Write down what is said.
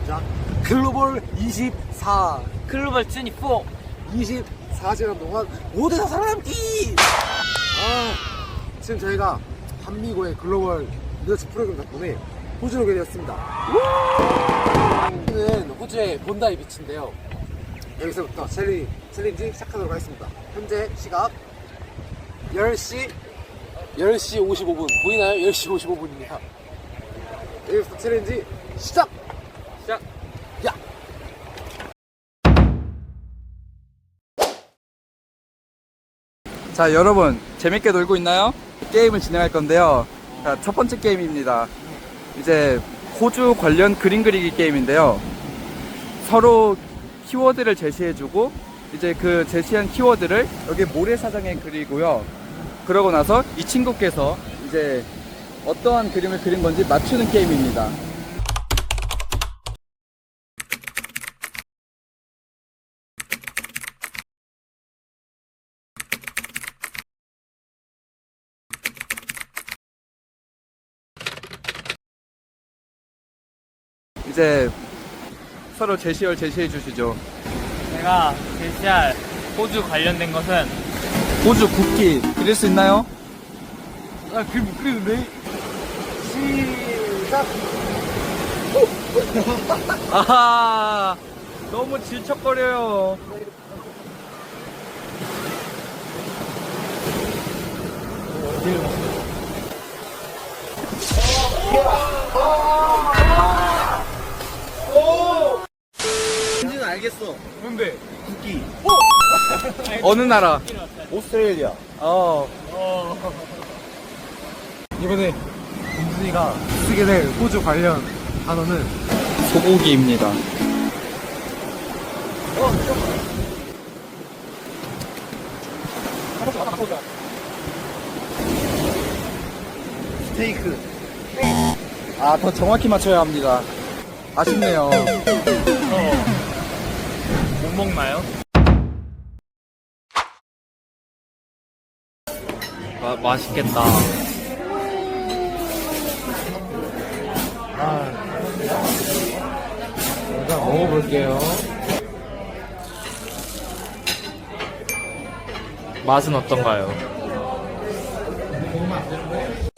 시작. 글로벌 24. 글로벌 24. 24시간 동안 모두에서 살아남기! 지금 저희가 한미고의 글로벌 리더십 프로그램 덕분에 호주로 오게 되었습니다. 여기는 호주의 본다이 비치인데요. 여기서부터 챌린지 시작하도록 하겠습니다. 현재 시각 10시 55분. 보이나요? 10시 55분입니다. 여기부터 챌린지 시작! 야! 자, 여러분 재밌게 놀고 있나요? 게임을 진행할 건데요. 자, 첫 번째 게임입니다. 이제 호주 관련 그림 그리기 게임인데요. 서로 키워드를 제시해주고 이제 그 제시한 키워드를 여기 모래사장에 그리고요. 그러고 나서 이 친구께서 이제 어떠한 그림을 그린 건지 맞추는 게임입니다. 이제 서로 제시어를 제시해 주시죠. 제가 제시할 호주 관련된 것은 호주 국기 그릴 수 있나요? 그림 못 그리는데? 시작! 아하, 너무 질척거려요. 민지는 알겠어. 뭔데? 국기. 어느 나라? 오스트레일리아. 이번에 민준이가 쓰게 될 호주 관련 단어는 소고기입니다. 스테이크. 아, 더 정확히 맞춰야 합니다. 아쉽네요. 못 먹나요? 맛있겠다. 일단 먹어볼게요. 맛은 어떤가요? 먹으면 안 되는데?